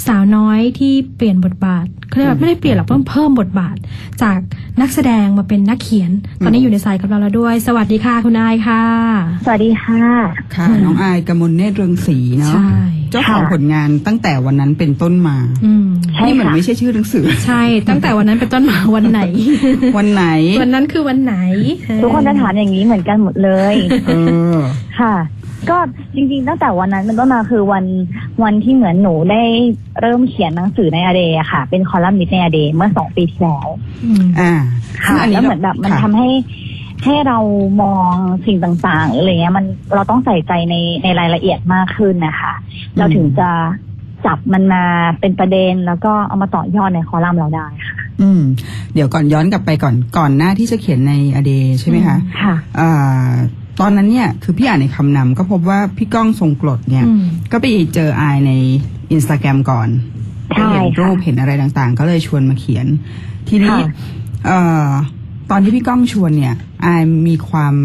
สาวน้อยที่เปลี่ยนบทบาทเขาเรียกว่าไม่ได้เปลี่ยนหรอกเพิ่มบทบาทจากนักแสดงมาเป็นนักเขียนตอนนี้อยู่ในสายกับเราแล้วด้วยสวัสดีค่ะคุณอายค่ะสวัสดีค่ะค่ะน้องอายกมลเนตรเรืองศรีเนาะเจ้าของผลงานตั้งแต่วันนั้นเป็นต้นมานี่เหมือนไม่ใช่ชื่อหนังสือใช่ตั้งแต่วันนั้นเป็นต้นมาวันไหนวันไหนวันนั้นคือวันไหนทุกคนจะถามอย่างนี้เหมือนกันหมดเลยค่ะก็จริงๆตั้งแต่วันนั้นเป็นต้นมาคือวันที่เหมือนหนูได้เริ่มเขียนหนังสือในอเดย์ค่ะเป็นคอลัมนิสต์ในอเดย์เมื่อ2 ปีที่แล้วค่ะแล้วเหมือนแบบมันทำให้เรามองสิ่งต่างๆอะไรเงี้ยเราต้องใส่ใจในรายละเอียดมากขึ้นนะคะเราถึงจะจับมันมาเป็นประเด็นแล้วก็เอามาต่อยอดในคอลัมน์เราได้ค่ะเดี๋ยวก่อนย้อนกลับไปก่อนหน้าที่จะเขียนในอเดย์ใช่ไหมคะค่ะตอนนั้นเนี่ยคือพี่อ่านในคำนำก็พบว่าพี่ก้องทรงกลดเนี่ยก็ไปเจออายใน Instagram ก่อนเห็นรูปเห็นอะไรต่างๆก็เลยชวนมาเขียนทีนี้ตอนที่พี่ก้องชวนเนี่ยอายมีความ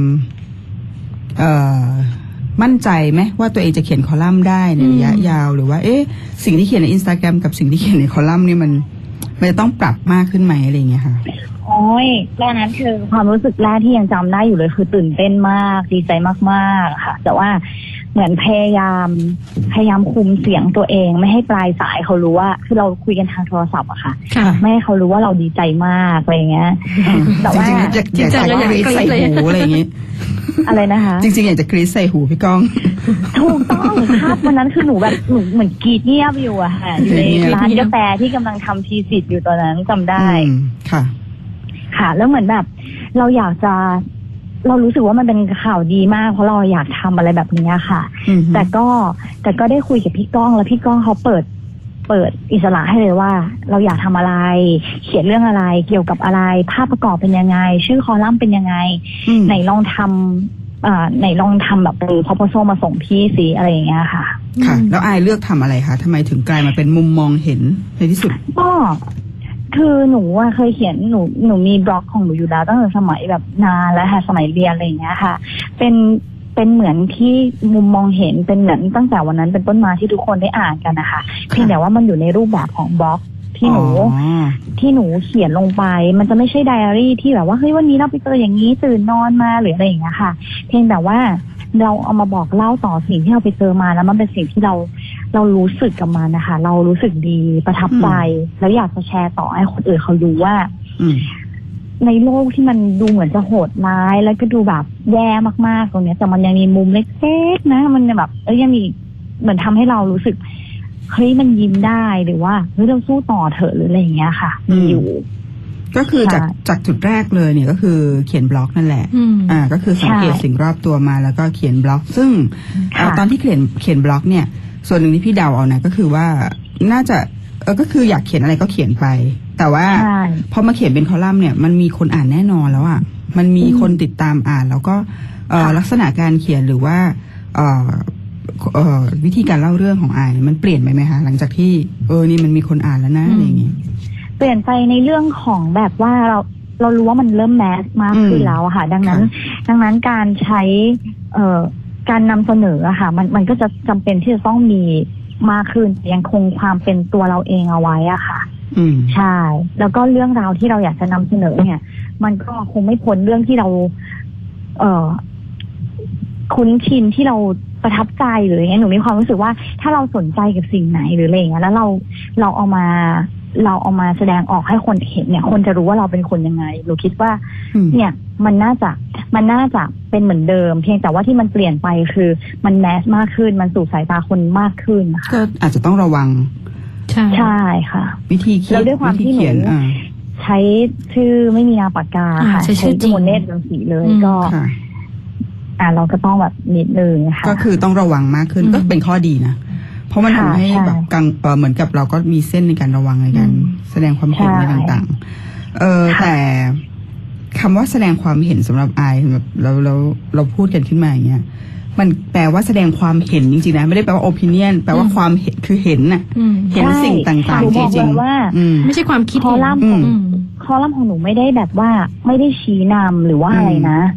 มั่นใจไหมว่าตัวเองจะเขียนคอลัมน์ได้ในระยะยาวหรือว่าสิ่งที่เขียนใน Instagram กับสิ่งที่เขียนในคอลัมน์นี่มันจะต้องปรับมากขึ้นไหมอะไรอย่างเงี้ยค่ะโอ้ยตอนนั้นคือความรู้สึกแรกที่ยังจำได้อยู่เลยคือตื่นเต้นมากดีใจมากๆค่ะแต่ว่าเหมือนพยายามคุมเสียงตัวเองไม่ให้ปลายสายเขารู้ว่าคือเราคุยกันทางโทรศัพท์อะค่ะไม่ให้เขารู้ว่าเราดีใจมากอะไรเงี้ยแต่ว่าจริงๆอยากกรี๊ดใส่หูอะไรอย่างงี้อะไรนะคะจริงๆอยากจะกรี๊ดใส่หูพี่ก้องถูกต้องครับวันนั้นคือหนูแบบหนูเหมือนกรี๊ดเงียบอยู่อะค่ะอยู่ในร้านกาแฟที่กำลังทำทีสิทธิ์อยู่ตอนนั้นจำได้ค่ะแล้วเหมือนแบบเรารู้สึกว่ามันเป็นข่าวดีมากเพราะเราอยากทำอะไรแบบนี้ค่ะแต่ก็ได้คุยกับพี่ก้องแล้วพี่ก้องเขาเปิดอิสระให้เลยว่าเราอยากทำอะไรเขียนเรื่องอะไรเกี่ยวกับอะไรภาพประกอบเป็นยังไงชื่อคอลัมน์เป็นยังไงไหนลองทำแบบเป็น proposal มาส่งพี่สิอะไรอย่างเงี้ยค่ะแล้วอายเลือกทำอะไรคะทำไมถึงกลายมาเป็นมุมมองเห็นในที่สุดก็คือหนูเคยเขียนหนูมีบล็อกของหนูอยู่แล้วตั้งแต่สมัยแบบนานแล้วค่ะสมัยเรียนอะไรอย่างเงี้ยค่ะเป็นเหมือนที่มุมมองเห็นเป็นเหมือนตั้งแต่วันนั้นเป็นต้นมาที่ทุกคนได้อ่านกันนะคะเพียงแต่ว่ามันอยู่ในรูปแบบของบล็อกที่หนูเขียนลงไปมันจะไม่ใช่ไดอารี่ที่แบบว่าเฮ้ยวันนี้เราไปเจออย่างนี้ตื่นนอนมาหรืออะไรอย่างเงี้ยค่ะเพียงแต่ว่าเราเอามาบอกเล่าต่อสิ่งที่เราไปเจอมาแล้วมันเป็นสิ่งที่เรารู้สึกกับมันนะคะเรารู้สึกดีประทับใจแล้วอยากจะแชร์ต่อให้คนอื่นเขารู้ว่าในโลกที่มันดูเหมือนจะโหดร้ายแล้วก็ดูแบบแย่มากๆตรงนี้แต่มันยังมีมุมเล็กๆนะมันแบบยังมีเหมือนทำให้เรารู้สึกเฮ้ยมันยิ้มได้หรือว่าเฮ้ยเราสู้ต่อเถอะหรืออะไรอย่างเงี้ยค่ะอยู่ก็คือจากจุดแรกเลยเนี่ยก็คือเขียนบล็อกนั่นแหละก็คือสังเกตสิ่งรอบตัวมาแล้วก็เขียนบล็อกซึ่งตอนที่เขียนบล็อกเนี่ยส่วนหนึ่งที่พี่เดาเอานะก็คือว่าน่าจะก็คืออยากเขียนอะไรก็เขียนไปแต่ว่าพอมาเขียนเป็นคอลัมน์เนี่ยมันมีคนอ่านแน่นอนแล้วอ่ะมันมีคนติดตามอ่านแล้วก็ลักษณะการเขียนหรือว่าวิธีการเล่าเรื่องของอายมันเปลี่ยนไปไหมคะหลังจากที่นี่มันมีคนอ่านแล้วนะอะไรอย่างงี้เปลี่ยนไปในเรื่องของแบบว่าเรารู้ว่ามันเริ่มแมสมากขึ้นแล้วค่ะดังนั้นการใช้การนำเสนอค่ะมันก็จะจำเป็นที่จะต้องมีมากขึ้นยังคงความเป็นตัวเราเองเอาไว้อะค่ะใช่แล้วก็เรื่องราวที่เราอยากจะนำเสนอเนี่ยมันก็คงไม่พ้นเรื่องที่เราคุ้นชินที่เราประทับใจหรืออย่างเงี้ยหนูมีความรู้สึกว่าถ้าเราสนใจกับสิ่งไหนหรืออะไรอย่างเงี้ยแล้วเราเอามาแสดงออกให้คนเห็นเนี่ยคนจะรู้ว่าเราเป็นคนยังไงหนูคิดว่าเนี่ยมันน่าจะเป็นเหมือนเดิมเพียงแต่ว่าที่มันเปลี่ยนไปคือมันแมสมากขึ้นมันสู่สายตาคนมากขึ้นนะคะก็อาจจะต้องระวังใช่ค่ะวิธีคิดแล้วด้วยความที่หนูใช้ชื่อไม่มีนามปากกาค่ะใช้ชื่อโมเนตรังสีเลยก็เราก็ต้องแบบนิดนึงค่ะก็คือต้องระวังมากขึ้นก็เป็นข้อดีนะเพราะมันทำให้แบบเหมือนกับเราก็มีเส้นในการระวังในการแสดงความเห็นในต่างๆแต่คำว่าแสดงความเห็นสำหรับอายแบบเราพูดกันขึ้นมาอย่างเงี้ยมันแปลว่าแสดงความเห็นจริงๆนะไม่ได้แปลว่า opinion แปลว่าความเห็นคือเห็นน่ะเห็นสิ่งต่างๆจริงๆไม่ใช่ความคิดคอลัมน์ของหนูไม่ได้แบบว่าไม่ได้ชี้นำหรือว่าอะไรนะ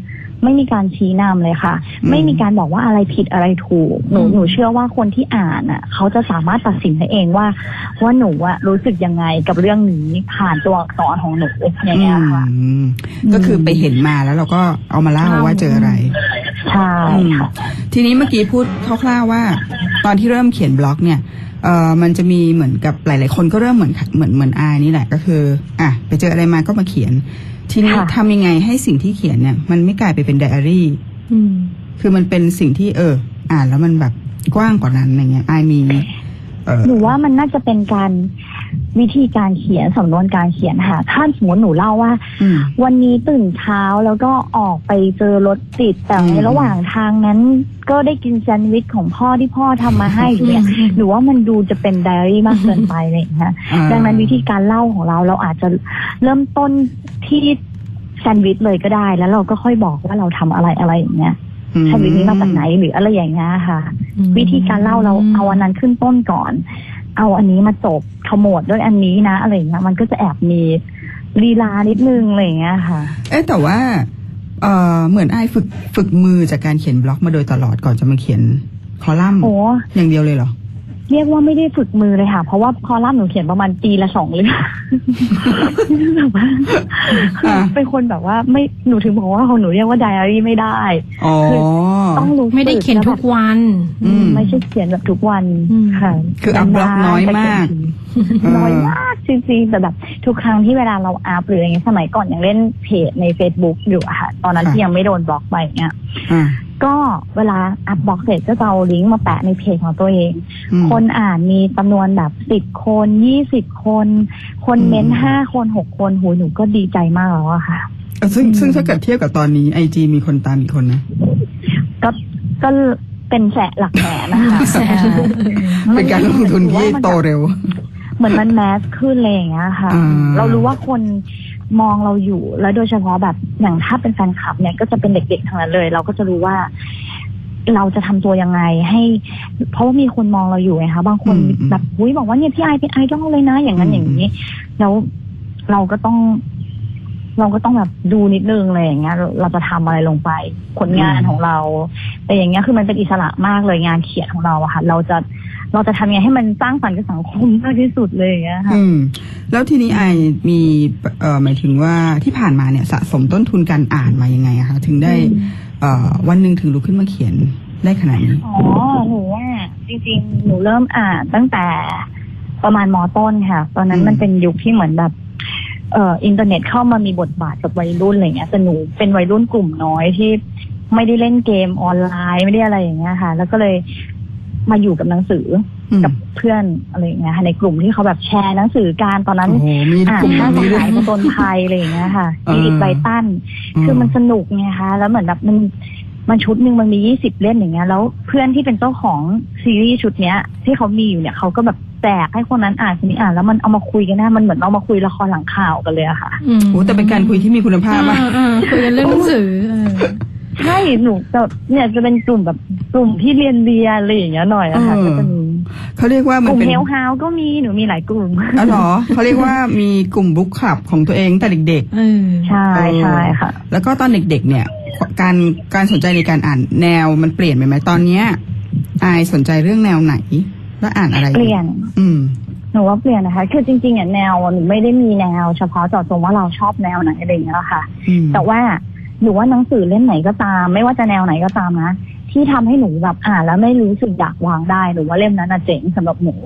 ไม่มีการชี้นำเลยค่ะ ไม่มีการบอกว่าอะไรผิดอะไรถูกหนูเชื่อว่าคนที่อ่านอ่ะเขาจะสามารถตัดสินได้เองว่าหนูอะรู้สึกยังไงกับเรื่องนี้ผ่านตัวอักษรของหนูอย่างเงี้ยค่ะก็คือไปเห็นมาแล้วเราก็เอามาเล่าว่าเจออะไรใช่ค่ะทีนี้เมื่อกี้พูดคร่าวๆว่าตอนที่เริ่มเขียนบล็อกเนี่ยมันจะมีเหมือนกับหลายๆคนก็เริ่มเหมือนอายนี่แหละก็คือไปเจออะไรมาก็มาเขียนทีนี้ทำยังไงให้สิ่งที่เขียนเนี่ยมันไม่กลายไปเป็นไดอารี่คือมันเป็นสิ่งที่อ่านแล้วมันแบบกว้างกว่านั้นอะไรเงี้ยอายมีหนูว่ามันน่าจะเป็นการวิธีการเขียนสำนวนการเขียนค่ะถ้าสมมติหนูเล่าว่าวันนี้ตื่นเช้าแล้วก็ออกไปเจอรถติดแต่ในระหว่างทางนั้นก็ได้กินแซนด์วิชของพ่อที่พ่อทำมาให้เนี่ยหนูว่ามันดูจะเป็นไดอารี่มากเกินไปเลยนะดังนั้นวิธีการเล่าของเราอาจจะเริ่มต้นที่แซนด์วิชเลยก็ได้แล้วเราก็ค่อยบอกว่าเราทำอะไรอย่างเงี้ยแซนด์วิชนี้มาจากไหนหรืออะไรอย่างเงี้ยค่ะวิธีการเล่าเราเอาอันนั้นขึ้นต้นก่อนเอาอันนี้มาจบขมวดด้วยอันนี้นะอะไรอย่างเงี้ยมันก็จะแอบมีลีลานิดนึงอะไรอย่างเงี้ยค่ะแต่ว่าเหมือนไอ้ฝึกมือจากการเขียนบล็อกมาโดยตลอดก่อนจะมาเขียนคอลัมน์อย่างเดียวเลยเหรอเรียกว่าไม่ได้ฝึกมือเลยค่ะเพราะว่าคอลัมน์หนูเขียนประมาณปีละ2 เรื่องแบบว่าเป็นคนแบบว่าไม่หนูถึงบอกว่าของหนูเรียกว่าไดอารี่ไม่ได้คือต้องรู้ไม่ได้เขียนทุกวันไม่ใช่เขียนแบบทุกวันค่ะคืออัพบล็อกน้อยมากจริงๆแต่แบบทุกครั้งที่เวลาเราอัพหรืออย่างเงี้ยสมัยก่อนยังเล่นเพจใน Facebook อยู่อะค่ะตอนนั้นที่ยังไม่โดนบล็อกไปเงี้ยก็เวลาอัพบล็อกเสร็จก็จะเอาลิงก์มาแปะในเพจของตัวเองคนอ่านมีจำนวนแบบ10 คน20 คนเม้น5 คน6 คนหนูก็ดีใจมากแล้วอะค่ะซึ่งถ้าเกิดเทียบกับตอนนี้ IG มีคนตามกี่คนนะก็เป็นหลักแสนนะคะเป็นการลงทุนที่โตเร็วเหมือนมันแมสขึ้นเลยอย่างเงี้ยค่ะเรารู้ว่าคนมองเราอยู่แล้วโดยเฉพาะแบบอย่างถ้าเป็นแฟนคลับเนี่ยก็จะเป็นเด็กๆทั้งนั้นเลยเราก็จะรู้ว่าเราจะทำตัวยังไงให้เพราะว่ามีคนมองเราอยู่ไงคะบางคนแบบบอกว่าเนี่ยพี่ไอเป็นไอดอลเลยนะอย่างนั้นอย่างนี้แล้วเราก็ต้องแบบดูนิดนึงเลยอย่างเงี้ยเราจะทำอะไรลงไปผลงานของเราแต่อย่างเงี้ยคือมันเป็นอิสระมากเลยงานเขียนของเราอะค่ะเราจะทำยังไงให้มันสร้างสรรค์กับสังคมมากที่สุดเลยอย่างเงี้ยค่ะแล้วทีนี้ไอมีหมายถึงว่าที่ผ่านมาเนี่ยสะสมต้นทุนการอ่านมายังไงอะคะถึงได้วันหนึ่งถึงลุกขึ้นมาเขียนได้ขนาดนี้หนูว่าจริงๆหนูเริ่มอ่านตั้งแต่ประมาณม.ต้นค่ะตอนนั้นมันเป็นยุคที่เหมือนแบบอินเทอร์เน็ตเข้ามามีบทบาทกับวัยรุ่นอะไรเงี้ยแต่หนูเป็นวัยรุ่นกลุ่มน้อยที่ไม่ได้เล่นเกมออนไลน์ไม่ได้อะไรอย่างเงี้ยค่ะแล้วก็เลยมาอยู่กับหนังสือกับเพื่อนอะไรอย่างเงี้ยในกลุ่มที่เขาแบบแชร์หนังสือการตอนนั้นค่าสหายผจญภัยอะไรอย่างเงี้ยค่ะอีกไบตันคือมันสนุกไงคะแล้วเหมือนแบบมันชุดหนึ่งมันมี20 เล่มอย่างเงี้ยแล้วเพื่อนที่เป็นเจ้าของซีรีส์ชุดเนี้ยที่เขามีอยู่เนี่ยเขาก็แบบแจกให้คนนั้นอ่านคนนี้อ่านแล้วมันเอามาคุยกันได้มันเหมือนเอามาคุยละครหลังข่าวกันเลยอะค่ะแต่เป็นการคุยที่มีคุณภาพมากคุยกันเรื่องหนังสือใช่หนูเนี่ยจะเป็นกลุ่มแบบกลุ่มที่เรียนอะไรอย่างเงี้ยหน่อยอะค่ะก็จะมีเขาเรียกว่ามันเป็นกลุ่มเฮลฮาวก็มีหนูมีหลายกลุ่มเหรอเขาเรียกว่ามีกลุ่มบุ๊กคลับของตัวเองแต่เด็กๆใช่ใช่ค่ะแล้วก็ตอนเด็กๆเนี่ยการสนใจในการอ่านแนวมันเปลี่ยนไปไหมตอนเนี้ยอายสนใจเรื่องแนวไหนแล้วอ่านอะไรเปลี่ยนหนูว่าเปลี่ยนนะคะคือจริงๆแนวหนูไม่ได้มีแนวเฉพาะเจาะจงว่าเราชอบแนวไหนอะไรอย่างเงี้ยค่ะแต่ว่าหนูว่าหนังสือเล่มไหนก็ตามไม่ว่าจะแนวไหนก็ตามนะที่ทำให้หนูแบบอ่านแล้วไม่รู้สึกอยากวางได้หนูว่าเล่มนั้นเจ๋งสำหรับหนู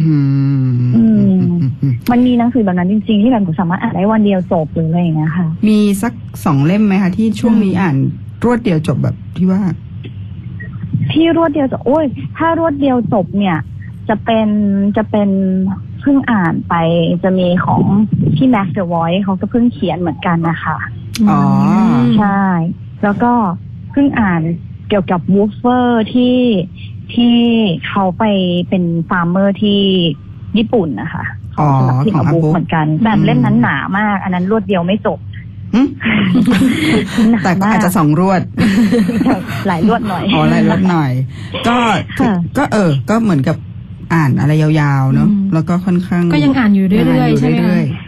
มันมีหนังสือแบบนั้นจริงๆที่แบบหนูสามารถอ่านได้วันเดียวจบหรืออะไรอย่างเงี้ยค่ะมีสัก2 เล่มไหมคะที่ช่วงนี้อ่านรวดเดียวจบแบบที่ว่ารวดเดียวจบโอ้ยถ้ารวดเดียวจบเนี่ยจะเป็นเพิ่งอ่านไปจะมีของพี่แม็กซ์เดอะวอยซ์เขาก็เพิ่งเขียนเหมือนกันนะคะใช่แล้วก็เพิ่งอ่านเกี่ยวกับวูฟเฟอร์ที่เขาไปเป็นฟาร์มเมอร์ที่ญี่ปุ่นนะคะของสำนักพิมพ์บุ๊กเหมือนกันแต่เล่มนั้นหนามากอันนั้นรวดเดียวไม่จบแต่ก็อาจจะ2 รวดหลายรวดหน่อยหลายรวดหน่อยก็เหมือนกับอ่านอะไรยาวๆเนาะแล้วก็ค่อนข้างก็ยังอ่านอยู่เรื่อยๆใช่ไหม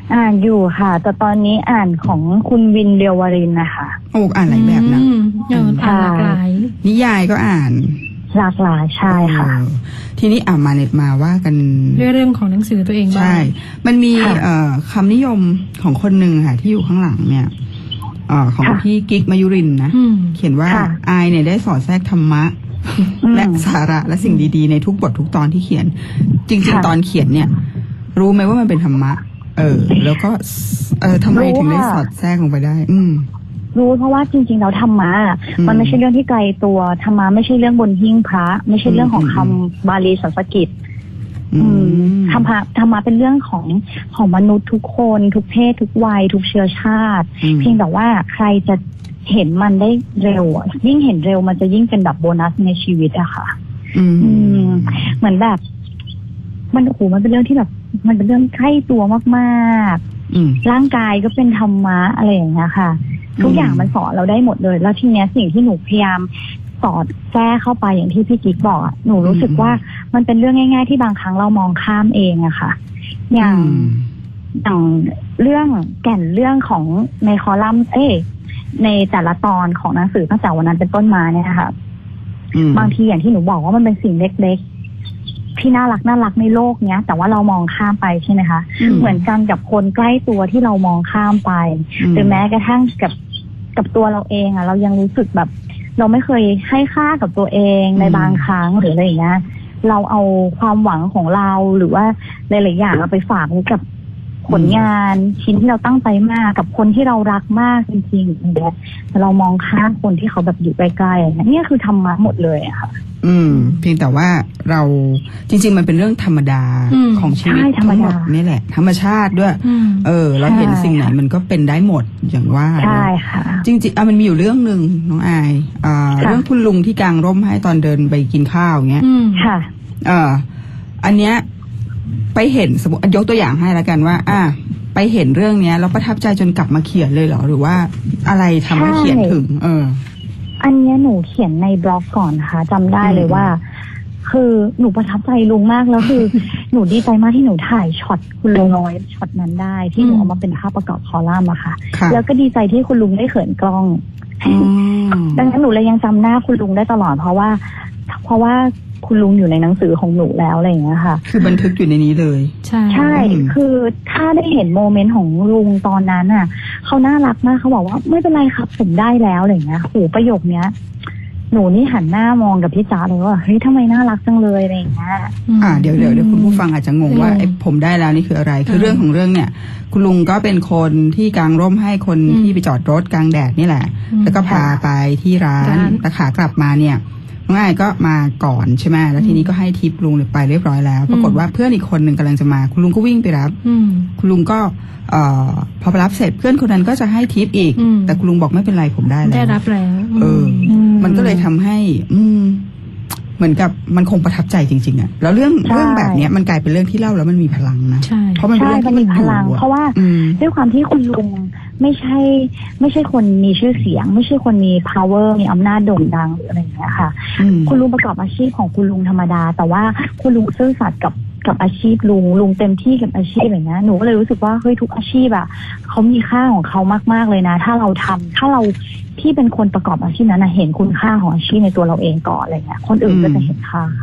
อ่านอยู่ค่ะ แต่ตอนนี้อ่านของคุณวินเรียววรินทร์นะคะโอ้อ่านหลายแบบนะอ่านหลากหลายนิยายก็อ่านหลากหลายใช่ค่ะทีนี้มาว่ากันเรื่องของหนังสือตัวเองบ้างใช่ มันมีค่ะคำนิยมของคนหนึ่งค่ะ ที่อยู่ข้างหลังเนี่ยของค่ะพี่กิ๊กมายุรินทร์นะ เขียนว่าค่ะอายเนี่ยได้สอดแทรกธรรมะ และสาระและสิ่งดีๆในทุกบททุกตอนที่เขียน จริงค่ะๆ ตอนเขียนเนี่ย รู้ไหมว่ามันเป็นธรรมะ แล้วก็ทำไมถึงได้สอดแทรกลงไปได้รู้เพราะว่าจริงๆแล้วธรรมะมันไม่ใช่เรื่องที่ไกลตัวธรรมะไม่ใช่เรื่องบนหิ้งพระ ไม่ใช่เรื่องของคำบาลีสันสกฤตธรรมะเป็นเรื่องของมนุษย์ทุกคนทุกเพศทุกวัยทุกเชื้อชาติ เพียงแต่ว่าใครจะเห็นมันได้เร็วยิ่งเห็นเร็วมันจะยิ่งเป็นแบบโบนัสในชีวิตอะค่ะเหมือนแบบมันมันเป็นเรื่องที่แบบมันเป็นเรื่องใกล้ตัวมากๆร่างกายก็เป็นธรรมะอะไรอย่างเงี้ยค่ะทุกอย่างมันสอนเราได้หมดเลยแล้วทีเนี้ยสิ่งที่หนูพยายามสอดแทรกเข้าไปอย่างที่พี่กิ๊กบอกหนูรู้สึกว่ามันเป็นเรื่องง่ายๆที่บางครั้งเรามองข้ามเองอะค่ะอย่างเรื่องแก่นเรื่องของในคอลัมน์ในแต่ละตอนของหนังสือตั้งแต่วันนั้นเป็นต้นมาเนี่ยค่ะบางทีอย่างที่หนูบอกว่ามันเป็นสิ่งเล็กๆที่น่ารักในโลกเนี้ยแต่ว่าเรามองข้ามไปใช่ไหมคะเหมือนกันกับคนใกล้ตัวที่เรามองข้ามไปหรือแม้กระทั่งกับตัวเราเองอะเรายังรู้สึกแบบเราไม่เคยให้ค่ากับตัวเองในบางครั้งหรืออะไรอย่างเงี้ยเราเอาความหวังของเราหรือว่าหลายๆอย่างเราไปฝากไว้กับผลงานชิ้นที่เราตั้งใจมากกับคนที่เรารักมากจริงๆแต่เรามองข้ามคนที่เขาแบบอยู่ใกล้ๆนี่คือธรรมะหมดเลยอะค่ะเพียงแต่ว่าเราจริงๆมันเป็นเรื่องธรรมดาของชีวิตทั้งหมดนี่แหละธรรมชาติด้วยเราเห็นสิ่งไหนมันก็เป็นได้หมดอย่างว่าใช่ค่ะจริงๆมันมีอยู่เรื่องหนึ่งน้องอายเรื่องคุณลุงที่กางร่มให้ตอนเดินไปกินข้าวอย่างเงี้ยค่ะอันเนี้ยไปเห็นสมมติยกตัวอย่างให้แล้วกันว่าไปเห็นเรื่องเนี้ยแล้วประทับใจจนกลับมาเขียนเลยเหรอหรือว่าอะไรทำให้เขียนถึงอันนี้หนูเขียนในบล็อกก่อนนะคะจำได้เลยว่าคือหนูประทับใจลุงมากแล้วคือ หนูดีใจมากที่หนูถ่ายช็อตคุณลุงน้อยช็อตนั้นได้ที่หนูเอามาเป็นภาพประกอบคอลัมน์อะค่ะแล้วก็ดีใจที่คุณลุงได้เขินกล้องดังนั้นหนูเลยยังจำหน้าคุณลุงได้ตลอดเพราะว่าคุณลุงอยู่ในหนังสือของหนูแล้วอะไรอย่างเงี้ยค่ะคือบันทึกอยู่ในนี้เลยใช่คือถ้าได้เห็นโมเมนต์ของลุงตอนนั้นอ่ะเขาน่ารักมากเขาบอกว่าไม่เป็นไรครับผมได้แล้วอะไรอย่างเงี้ยโหประโยคเนี้ยหนูนี่หันหน้ามองกับพี่จ๋าเลยว่าเฮ้ยทำไมน่ารักจังเลยอะไรอย่างเงี้ยเดี๋ยวคุณผู้ฟังอาจจะงงว่าผมได้แล้วนี่คืออะไรคือเรื่องของเรื่องเนี่ยคุณลุงก็เป็นคนที่กางร่มให้คนที่ไปจอดรถกลางแดดนี่แหละแล้วก็พาไปที่ร้านแต่ขากลับมาเนี่ยน้องอายก็มาก่อนใช่ไหมแล้วทีนี้ก็ให้ทิปลุงไปเรียบร้อยแล้วปรากฏว่าเพื่อนอีกคนหนึ่งกำลังจะมาคุณลุงก็วิ่งไปรับคุณลุงก็พอไปรับเสร็จเพื่อนคนนั้นก็จะให้ทิปอีกแต่คุณลุงบอกไม่เป็นไรผมได้แล้วได้รับแล้วมันก็เลยทำให้เหมือนกับมันคงประทับใจจริงๆอ่ะแล้วเรื่องแบบนี้มันกลายเป็นเรื่องที่เล่าแล้วมันมีพลังนะเพราะมันเป็นเรื่องที่มันมีพลังเพราะว่าด้วยความที่คุณลุงไม่ใช่คนมีชื่อเสียงไม่ใช่คนมี power มีอำนาจโด่งดังหรืออะไรอย่างเงี้ยค่ะคุณลุงประกอบอาชีพของคุณลุงธรรมดาแต่ว่าคุณลุงซื่อสัตย์กับอาชีพลุงเต็มที่กับอาชีพอย่างเงี้ยหนูก็เลยรู้สึกว่าเฮ้ยทุกอาชีพอะเขามีค่าของเขามากๆเลยนะถ้าเราที่เป็นคนประกอบอาชีพนั้นนะเห็นคุณค่าของอาชีพในตัวเราเองก่อนอะไรเงี้ยคนอื่นก็จะเห็นค่า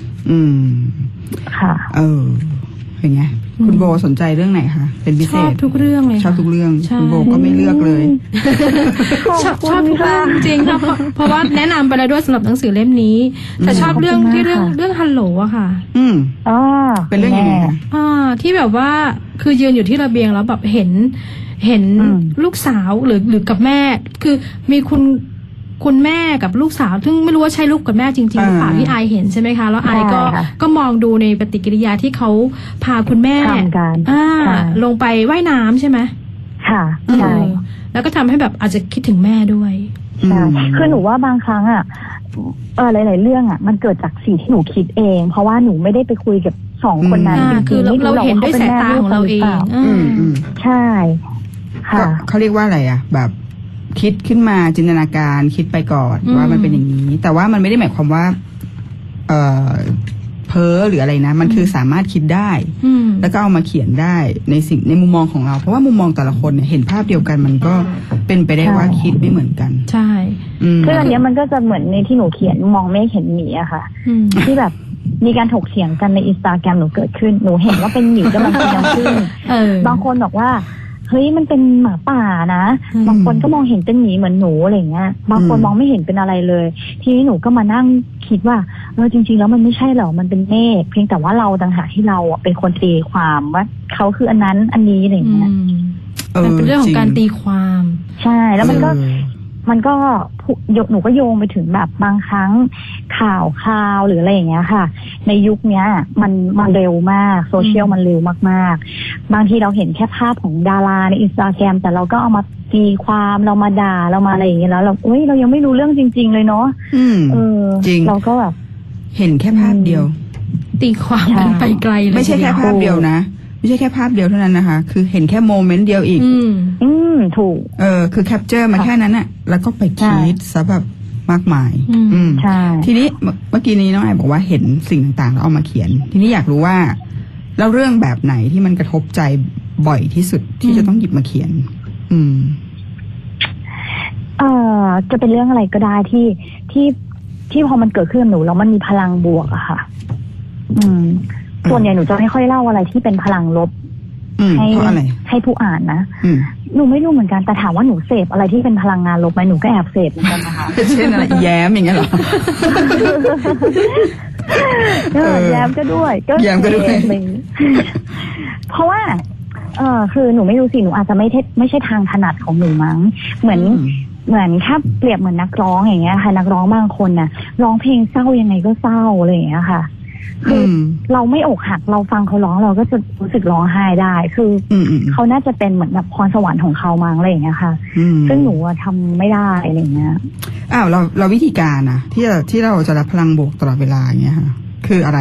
ค่ะเป็นไงคุณโบสนใจเรื่องไหนคะเป็นพิเศษชอบทุกเรื่องเลยชอบทุกเรื่องคุณโบก็ไม่เลือกเลยชอบทุกเรื่องจริงค่ะเพราะว่าแนะนำไปแล้วด้วยสำหรับหนังสือเล่มนี้แต่ชอบเรื่องที่เรื่องฮัลโหลอะค่ะเป็นเรื่องยังไงคะที่แบบว่าคือยืนอยู่ที่ระเบียงแล้วแบบเห็นลูกสาวหรือกับแม่คือมีคุณแม่กับลูกสาวซึ่งไม่รู้ว่าใช่ลูกกับแม่จริงๆหรือเปล่าที่ไอเห็นใช่ไหมคะแล้วไอก็มองดูในปฏิกิริยาที่เขาพาคุณแม่ลงไปว่ายน้ำใช่ไหมค่ะใช่แล้วก็ทำให้แบบอาจจะคิดถึงแม่ด้วยคือหนูว่าบางครั้งหลายๆเรื่องมันเกิดจากสิ่งที่หนูคิดเองเพราะว่าหนูไม่ได้ไปคุยกับสองคนนั้นคือเราเห็นด้วยสายตาของเราเองใช่ค่ะเขาเรียกว่าอะไรแบบคิดขึ้นมาจินตนาการคิดไปก่อนว่ามันเป็นอย่างนี้แต่ว่ามันไม่ได้หมายความว่าพพ้อหรืออะไรนะมันคือสามารถคิดได้แล้วก็เอามาเขียนได้ในมุมมองของเราเพราะว่ามุมมองแต่ละคนเนี่ยเห็นภาพเดียวกันมันก็เป็นไปได้ว่าคิดไม่เหมือนกันใช่คืออันนี้มันก็จะเหมือนในที่หนูเขียนมองไม่เห็นหมีอะค่ะที่แบบมีการถกเถียงกันใน Instagram หนูเกิดขึ้นหนูเห็นว่าเป็นหมีกำลังพยายามขึ้นบางคนบอกว่าเฮ้ยมันเป็นหมาป่านะบางคนก็มองเห็นเป็นหมีเหมือนหนูอะไรเงี้ยบางคนมองไม่เห็นเป็นอะไรเลยทีนี้หนูก็มานั่งคิดว่าจริงๆแล้วมันไม่ใช่หรอกมันเป็นเมฆเพียงแต่ว่าเราต่างหากที่เราเป็นคนตีความว่าเขาคืออันนั้นอันนี้อะไรเงี้ยมันเป็นเรื่องของการตีความใช่แล้วมันก็หนูก็โยงไปถึงแบบบางครั้งข่าวหรืออะไรอย่างเงี้ยค่ะในยุคนี้มันเร็วมากโซเชียลมันเร็วมากๆบางทีเราเห็นแค่ภาพของดาราใน Instagram แต่เราก็เอามาตีความเรามาด่าเรามาอะไรอย่างเงี้ยแล้วเรายังไม่รู้เรื่องจริงๆเลยเนาะจริงเราก็แบบเห็นแค่ภาพเดียวตีความกันไปไกลเลยไม่ใช่แค่ภาพเดียวนะไม่ใช่แค่ภาพเดียวเท่านั้นนะคะคือเห็นแค่โมเมนต์เดียวอีกถูกคือแคปเจอร์มาแค่นั้นน่ะแล้วก็ไปคิดซะแบบมากมายใช่ทีนี้เมื่อกี้นี้น้องไอบอกว่าเห็นสิ่งต่างๆแล้วเอามาเขียนทีนี้อยากรู้ว่าแล้วเรื่องแบบไหนที่มันกระทบใจบ่อยที่สุดที่จะต้องหยิบมาเขียนจะเป็นเรื่องอะไรก็ได้ที่พอมันเกิดขึ้นกับหนูแล้วมันมีพลังบวกอะค่ะส่วนใหญ่หนูจะไม่ค่อยเล่าอะไรที่เป็นพลังลบให้ผู้อ่านนะหนูไม่รู้เหมือนกันแต่ถามว่าหนูเสพอะไรที่เป็นพลังงานลบไหมหนูก็แอบเสพเหมือนกันนะคะเช่นอะไรแย้มอย่างเงี้ยหรอแย้มก็ด้วยแย้มก็ด้วยเพราะว่าคือหนูไม่รู้สิหนูอาจจะไม่ใช่ทางถนัดของหนูมั้งเหมือนถ้าเปรียบเหมือนนักร้องอย่างเงี้ยค่ะนักร้องบางคนน่ะร้องเพลงเศร้ายังไงก็เศร้าอะไรอย่างเงี้ยค่ะคือเราไม่อกหักเราฟังเขาร้องเราก็จะรู้สึกร้องไห้ได้คือเขาน่าจะเป็นเหมือนแบบพรสวรรค์ของเขามั้งอะไรอย่างเงี้ยค่ะซึ่งหนูทำไม่ได้อะไรเงี้ยเราวิธีการนะที่เราจะรับพลังบวกตลอดเวลาอย่างเงี้ยค่ะคืออะไร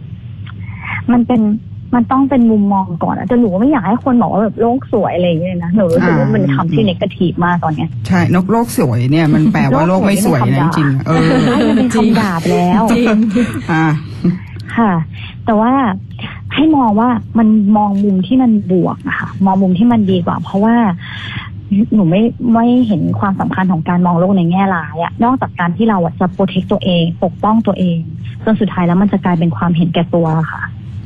มันต้องเป็นมุมมองก่อนแต่หนูไม่อยากให้คนบอกว่าแบบโลกสวยอะไรอย่างเงี้ยนะหนูรู้สึกว่ามันคำที่เนกาทีฟมากตอนเนี้ยใช่โลกสวยเนี่ยมันแปลว่าโลกไม่สวยนะจริงมันเป็นคำด่าไปแล้วจริงค่ะแต่ว่าให้มองว่ามันมองมุมที่มันบวกนะคะมองมุมที่มันดีกว่าเพราะว่าหนูไม่เห็นความสำคัญของการมองโลกในแง่ร้ายอะนอกจากการที่เราจะโปรเทคตัวเองปกป้องตัวเองจนสุดท้ายแล้วมันจะกลายเป็นความเห็นแก่ตัวค่ะ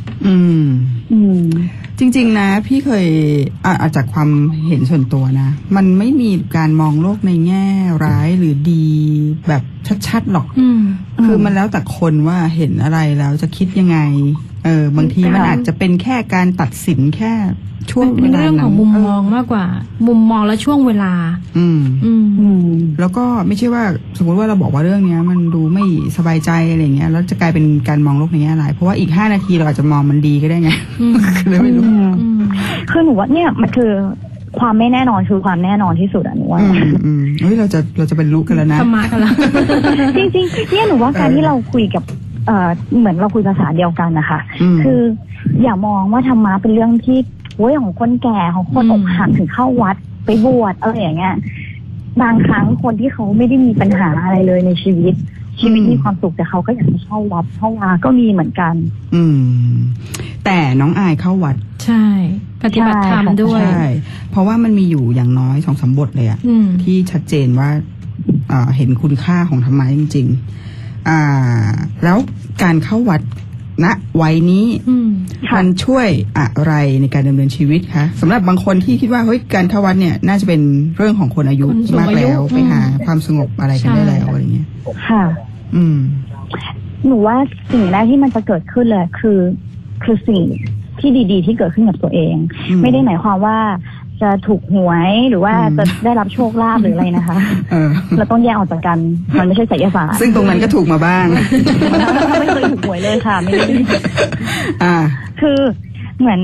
จริงๆนะพี่เคยจากความเห็นส่วนตัวนะมันไม่มีการมองโลกในแง่ร้ายหรือดีแบบชัดๆหรอกคือมันแล้วแต่คนว่าเห็นอะไรแล้วจะคิดยังไงบางทีมันอาจจะเป็นแค่การตัดสินแค่ช่วงเวลาเป็นเรื่องของมุมมองมากกว่ามุมมองและช่วงเวลาแล้วก็ไม่ใช่ว่าสมมติว่าเราบอกว่าเรื่องนี้มันดูไม่สบายใจอะไรเงี้ยแล้วจะกลายเป็นการมองโลกในแง่ร้ายเพราะว่าอีก5 นาทีเราอาจจะมองมันดีก็ได้ไงเลยไม่รู้คือหนูว่าเนี่ยมันคือความไม่แน่นอนคือความแน่นอนที่สุดอะหนูว่าเฮ้ยเราจะเป็นรู้กันแล้วนะธรรมะกันแล้วจริงๆเนี่ยหนูว่าการที่เราคุยกับเหมือนเราคุยภาษาเดียวกันนะคะคืออย่ามองว่าธรรมะเป็นเรื่องที่ของคนแก่ของคนอกหักถึงเข้าวัดไปบวชอะไรอย่างเงี้ยบางครั้งคนที่เขาไม่ได้มีปัญหาอะไรเลยในชีวิตมีความสุขแต่เขาก็อยากจะเข้าวัดเข้าวาก็มีเหมือนกันแต่น้องอายเข้าวัดใช่ปฏิบัติธรรมด้วยใช่เพราะว่ามันมีอยู่อย่างน้อย2-3 บทเลยอะที่ชัดเจนว่าเห็นคุณค่าของธรรมะจริงๆแล้วการเข้าวัดณวัยนี้มันช่วยอะไรในการดำเนินชีวิตคะสำหรับบางคนที่คิดว่าเฮ้ยการเข้าวัดเนี่ยน่าจะเป็นเรื่องของคนอายุมากแล้วไปหาความสงบอะไรกันได้แล้วอะไรเงี้ยค่ะหนูว่าสิ่งแรกที่มันจะเกิดขึ้นเลยคือสิ่งที่ดีๆที่เกิดขึ้นกับตัวเองไม่ได้หมายความว่าจะถูกหวยหรือว่าจะได้รับโชคลาภหรืออะไรนะคะเราต้องแยกออกจากกันมันไม่ใช่ไสยศาสตร์ซึ่งตรงนั้นก็ถูกมาบ้างไม่เคยถูกหวยเลยค่ะไม่ได้คือเหมือน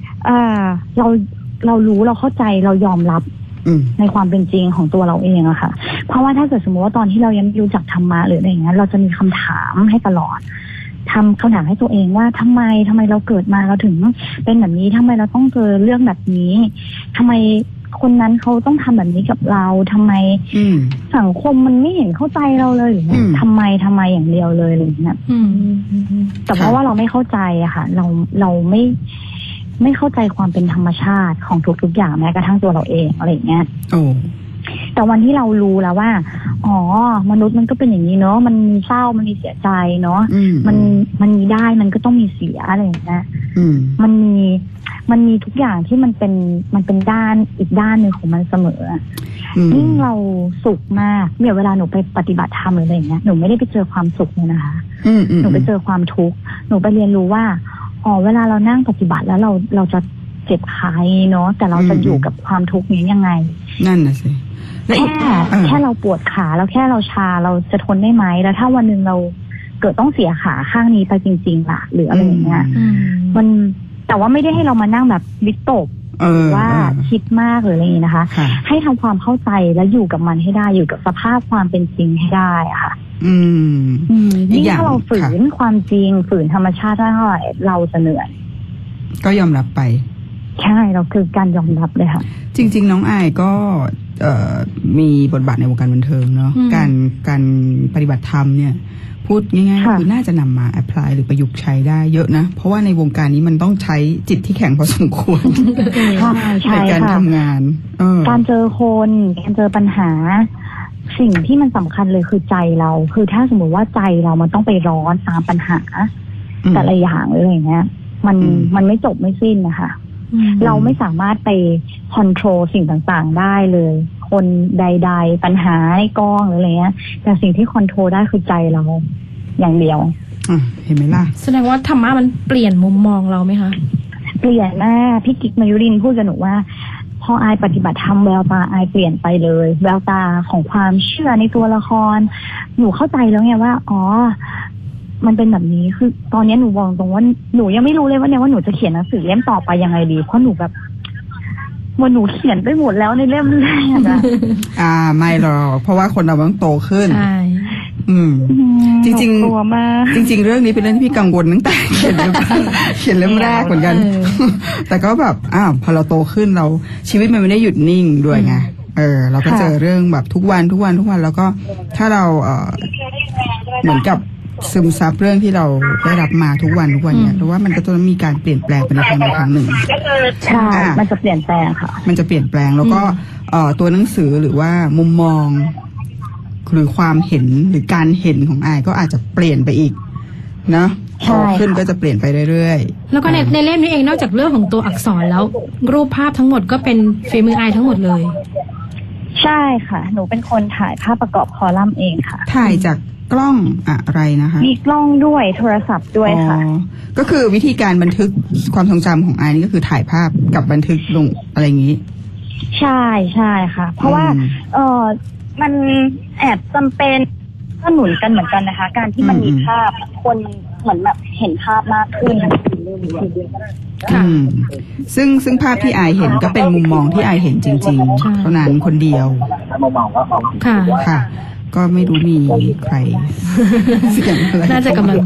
เรารู้เราเข้าใจเรายอมรับในความเป็นจริงของตัวเราเองอะค่ะเพราะว่าถ้าเกิดสมมติว่าตอนที่เรายังไม่รู้จักธรรมะหรืออะไรอย่างเงี้ยเราจะมีคำถามให้ตลอดทำคำถามให้ตัวเองว่าทำไมเราเกิดมาเราถึงเป็นแบบนี้ทำไมเราต้องเจอเรื่องแบบนี้ทำไมคนนั้นเขาต้องทำแบบนี้กับเราทำไม สังคมมันไม่เห็นเข้าใจเราเลยหรือทำไมอย่างเดียวเลยอะไรอย่างเงี้ยแต่เพราะว่าเราไม่เข้าใจอะค่ะ เราไม่เข้าใจความเป็นธรรมชาติของทุกๆอย่างแม้กระทั่งตัวเราเองอะไรอย่างเงี้ยแต่วันที่เรารู้แล้วว่าอ๋อมนุษย์มันก็เป็นอย่างนี้เนาะมันมีเศร้ามันมีเสียใจเนาะมันมีได้มันก็ต้องมีเสียอะไรอย่างเงี้ยมันมีทุกอย่างที่มันเป็นด้านอีกด้านหนึ่งของมันเสมอยิ่งเราสุขมากเนี่ยเวลาหนูไปปฏิบัติธรรมหรืออะไรอย่างเงี้ยหนูไม่ได้ไปเจอความสุขเลยนะคะหนูไปเจอความทุกข์หนูไปเรียนรู้ว่าอ๋อเวลาเรานั่งปฏิบัติแล้วเราจะเจ็บขาเนาะแต่เราจะอยู่กับความทุกข์นี้ยังไงนั่นน่ะสิแค่เราปวดขาแล้วแค่เราชาเราจะทนได้ไหมแล้วถ้าวันหนึ่งเราเกิดต้องเสียขาข้างนี้ไปจริงๆล่ะหรืออะไรอย่างเงี้ยมันแต่ว่าไม่ได้ให้เรามานั่งแบบวิตกว่าคิดมากหรืออะไรอย่างนี้นะคะให้ทำความเข้าใจและอยู่กับมันให้ได้อยู่กับสภาพความเป็นจริงให้ได้อะค่ะยิ่งถ้าเราฝืนความจริงฝืนธรรมชาติได้เท่าไหร่เราจะเหนื่อยก็ยอมรับไปใช่เราคือการยอมรับเลยค่ะจริงๆน้องอายก็มีบทบาทในวงการบันเทิงเนาะการปฏิบัติธรรมเนี่ยพูดง่ายๆคือน่าจะนำมาแอพพลายหรือประยุกต์ใช้ได้เยอะนะเพราะว่าในวงการนี้มันต้องใช้จิตที่แข็งพอสมควรในการทำงานการเจอคนการเจอปัญหาสิ่งที่มันสำคัญเลยคือใจเราคือถ้าสมมติว่าใจเรามันต้องไปร้อนตามปัญหาแต่ละอย่างเลยอย่างเงี้ยมันไม่จบไม่สิ้นนะคะเราไม่สามารถไปคอนโทรลสิ่งต่างๆได้เลยคนใดๆปัญหาในกองหรืออะไรเงี้ยแต่สิ่งที่คอนโทรลได้คือใจเราอย่างเดียวเห็นไหมล่ะแสดงว่าธรรมะมันเปลี่ยนมุมมองเราไหมคะเปลี่ยนมากพี่กิ๊กมายุรินพูดกับหนูว่าพออายปฏิบัติธรรมแววตาอายเปลี่ยนไปเลยแววตาของความเชื่อในตัวละครหนูเข้าใจแล้วไงว่าอ๋อมันเป็นแบบนี้คือตอนนี้หนูบอกตรงว่าหนูยังไม่รู้เลยว่าหนูจะเขียนหนังสือเล่มต่อไปยังไงดีเพราะหนูแบบว่าหนูเขียนไปหมดแล้วในเล่มแรกอะไม่หรอกเพราะว่าคนเราต้องโตขึ้นจริงจริงเรื่องนี้เป็นเรื่องที่พี่กังวลตั้งแต่เขียนเล่มแรกเหมือนกันแต่ก็แบบพอเราโตขึ้นเราชีวิตมันไม่ได้หยุดนิ่งด้วยไงเราก็เจอเรื่องแบบทุกวันแล้วก็ถ้าเราเหมือนกับซึมซับเรื่องที่เราได้รับมาทุกวันเนี่ยเพราะว่ามันก็ต้องมีการเปลี่ยนแปลงไปในทางหนึ่งใช่มันจะเปลี่ยนแปลงค่ะมันจะเปลี่ยนแปลงแล้วก็ตัวหนังสือหรือว่ามุมมองหรือความเห็นหรือการเห็นของอายก็อาจจะเปลี่ยนไปอีกเนาะโตขึ้นก็จะเปลี่ยนไปเรื่อยๆแล้วก็ในเล่มนี้เองนอกจากเรื่องของตัวอักษรแล้วรูปภาพทั้งหมดก็เป็นฝีมืออายทั้งหมดเลยใช่ค่ะหนูเป็นคนถ่ายภาพประกอบคอลัมน์เองค่ะถ่ายจากกล้องอะไรนะคะมีกล้องด้วยโทรศัพท์ด้วยค่ะก็คือวิธีการบันทึกความทรงจำของอายนี่ก็คือถ่ายภาพกับบันทึกลงอะไรอย่างนี้ใช่ค่ะเพราะว่ามันแอบจำเป็นก็หนุนกันเหมือนกันนะคะการที่มันมีภาพคนเหมือนแบบเห็นภาพมากขึ้นซึ่งภาพที่อายเห็นก็เป็นมุมมองที่อายเห็นจริงๆเท่านั้นคนเดียวค่ะก็ไม่รู้มีใครเสียงอะไรน่าจะกำลัง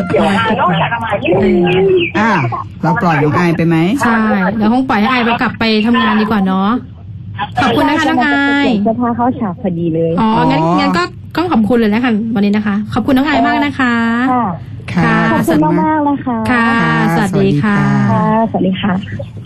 เราปล่อยน้องอายไปไหมใช่แล้วคงปล่อยให้อายไปกลับไปทำงานดีกว่าเนาะขอบคุณนะคะน้องอายเสื้อผ้าเข้าฉากพอดีเลยงั้นก็ต้องขอบคุณเลยนะคะวันนี้นะคะขอบคุณน้องอายมากนะคะค่ะขอบคุณมากๆเลยค่ะค่ะสวัสดีค่ะสวัสดีค่ะ